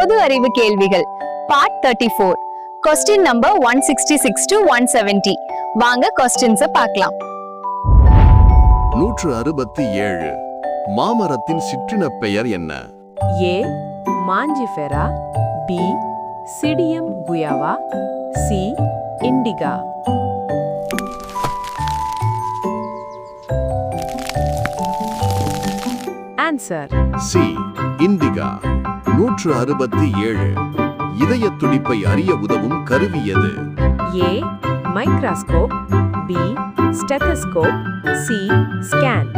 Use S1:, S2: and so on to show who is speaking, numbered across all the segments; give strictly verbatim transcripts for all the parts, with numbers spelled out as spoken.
S1: பொது அறிவு கேள்விகள் part thirty four question number one sixty six to one seventy. வாங்க கொஸ்டின்ஸை பார்க்கலாம்.
S2: நூற்று அறுபத்தி ஏழு. மாமரத்தின் சிற்றின பெயர் என்ன?
S3: A mangifera, B psidium guajava, C indica. Answer
S2: C indica. நூற்று அறுபத்தி ஏழு. இதய துடிப்பை அறிய உதவும் கருவி எது?
S3: A microscope, B stethoscope, C scan.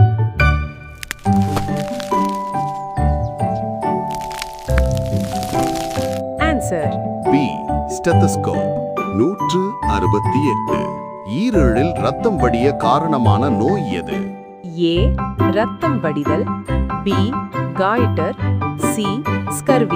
S3: Answer
S2: B stethoscope. நூற்று அறுபத்தி எட்டு. ஈரலில் ரத்தம் வடிய காரணமான நோய் எது?
S3: ஏ ரத்தம் வடிதல், B goitre, C scurvy.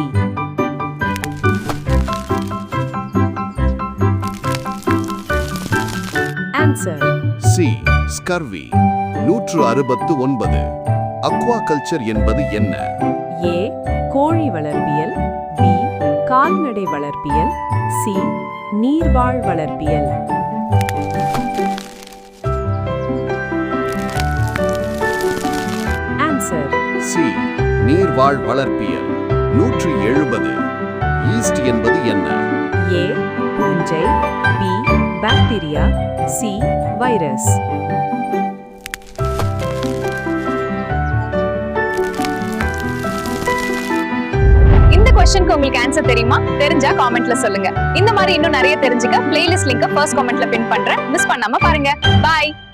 S3: Answer
S2: C scurvy. நூற்று அறுபத்து ஒன்பது. அக்வாகல்ச்சர் என்பது என்ன?
S3: ஏ கோழி வளர்ப்பியல், பி கால்நடை வளர்ப்பியல், சி நீர்வாழ் வளர்ப்பியல். ஆன்சர்
S2: சி நீர்வாழ் வளர்ப்பியல். நூற்று எழுபது. ஈஸ்ட் என்பது என்ன?
S3: ஏ பூஞ்சை, பி பாக்டீரியா, சி வைரஸ்.
S1: இந்த கொஸ்டினுக்கு உங்களுக்கு ஆன்சர் தெரியுமா? தெரிஞ்சா காமெண்ட்ல சொல்லுங்க. இந்த மாதிரி இன்னும் நிறைய தெரிஞ்சுக்க பிளேலிஸ்ட் லிங்கை ஃபர்ஸ்ட் காமெண்ட்ல பின் பண்றேன். மிஸ் பண்ணாம பாருங்க. பாய்.